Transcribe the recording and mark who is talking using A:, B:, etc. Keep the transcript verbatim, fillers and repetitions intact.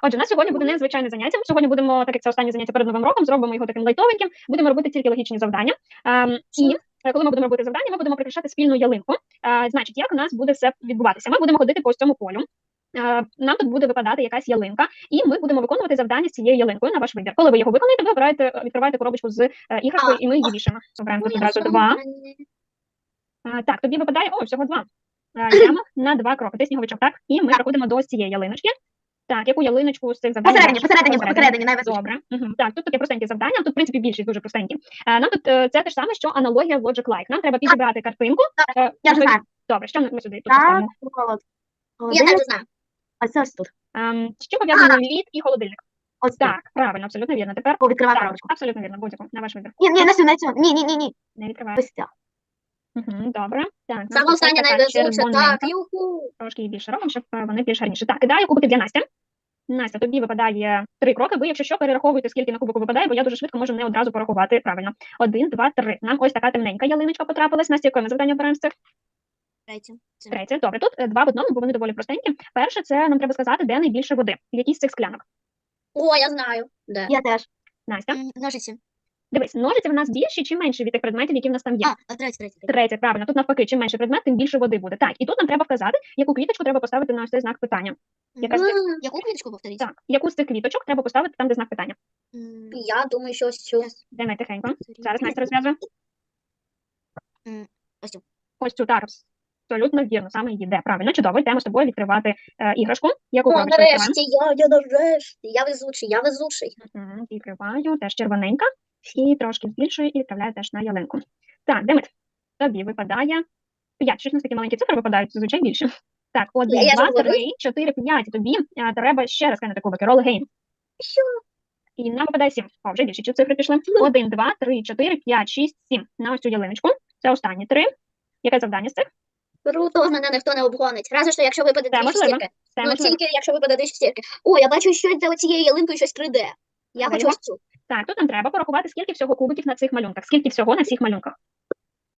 A: Отже, у нас сьогодні буде незвичайне заняття. Сьогодні будемо, так як це останнє заняття перед Новим роком, зробимо його таким лайтовеньким. Будемо робити тільки логічні завдання. Ем, і е, коли ми будемо робити завдання, ми будемо прикрашати спільну ялинку. Е, значить, як у нас буде все відбуватися? Ми будемо ходити по ось цьому полю. Е, Нам тут буде випадати якась ялинка, і ми будемо виконувати завдання з цією ялинкою на ваш вибір. Коли ви його виконаєте, ви обираєте, відкриваєте коробочку з е, іграшкою, і ми її вішаємо. Обираємо тут одразу два. Е, Так, тобі випадає, о, всього два. Е, Ямах на два кроки. Ти сніговичок, так? І ми проходимо до ось цієї ялиночки. Так, яку ялиночку з цих завдань?
B: Посередині,
A: бачиш?
B: посередині, посередині, найважливіше.
A: Добре. Угу. Так, тут таке простеньке завдання, тут, в принципі, більшість дуже простенькі. Е, нам тут е, це те ж саме, що аналогія Logic Like. Нам треба підібрати картинку. Е,
B: Я вже
A: можливо-
B: знаю.
A: Добре, що ми сюди тут
B: Так,
A: поставимо?
B: холод.
C: Я
B: Холодильник.
C: теж знаю.
B: А це ось тут.
A: Ем, з чим пов'язаний лід і холодильник?
B: Ось тут.
A: Так, правильно, абсолютно вірно. Тепер
B: О, відкривай
A: так,
B: коробочку.
A: абсолютно вірно, будь-яку, на ваш вибір.
B: Ні, ні, на цю, на цю. Ні, ні, ні, ні.
A: Не відкриваю.
B: Ось ця.
A: Угу, добре. Так, нас
C: Саме
A: тут
C: останнє
A: така
C: найвезуче,
A: червоненька.
C: так, юху.
A: Трошки її більше робимо, щоб е, вони більш гарніше. Так, кидаю кубики для Насті. Настя, тобі випадає три кроки. Ви, якщо що, перераховуйте, скільки на кубику випадає, бо я дуже швидко можу не одразу порахувати правильно. Один, два, три. Нам ось така темненька ялиночка потрапилась. Настя, яке ми завдання обираємо з цих?
C: Третє. Це.
A: Третє. Добре, тут е, два в одному, бо вони доволі простенькі. Перше, це нам треба сказати, де найбільше води. В якій з цих склянок.
C: О, я знаю. Де?
B: Я теж.
A: Настя,
C: М, Ножиці.
A: дивись, ножиці в нас більші чи менші від тих предметів, які в нас там є?
C: А, а третє, третє. третє.
A: Третє, правильно. Тут навпаки, чим менше предмет, тим більше води буде. Так, і тут нам треба вказати, яку квіточку треба поставити на ось цей знак питання. Яка з цих?
C: М, Яку квіточку повторіть?
A: Так, яку з цих квіточок треба поставити там, де знак питання.
C: М, Я думаю, що ось цю.
A: Де ми тихенько? Зараз Настя розв'язує.
C: М, Ось цю.
A: Ось цю так, абсолютно вірно, саме її де. Правильно, чудово, йдемо з тобою відкривати е, іграшку. Яку
C: О,
A: коробочку відкриваємо?
C: нарешті, я, я нарешті. Я везучий, я везучий.
A: Мгм, відкриваю, теж червоненька. І трошки збільшую і відправляю теж на ялинку. Так, Демид, тобі випадає п'ять. Щось у нас такі маленькі цифри випадають, зазвичай більше. Так, один,
C: я
A: два,
C: ж говорю.
A: три, чотири, п'ять. Тобі е, треба ще раз кинути кубики. Roll again.
C: Що?
A: І нам випадає сім. О, вже більше ці цифри пішли. Один, два, три, чотири, п'ять, шість, сім. На ось цю ялиночку. Це останні три. Яке завдання з цих?
C: Круто, мене ніхто не обгонить. Разве що, якщо випаде
A: Це
C: дві
A: можливо.
C: шістірки.
A: Це
C: Ну,
A: можливо.
C: тільки якщо випаде дві шістірки. О, я бачу щось за цією ялинкою, щось три Д. Я хочу
A: Даємо?
C: ось цю.
A: Так, тут нам треба порахувати, скільки всього кубиків на цих малюнках. Скільки всього на всіх малюнках.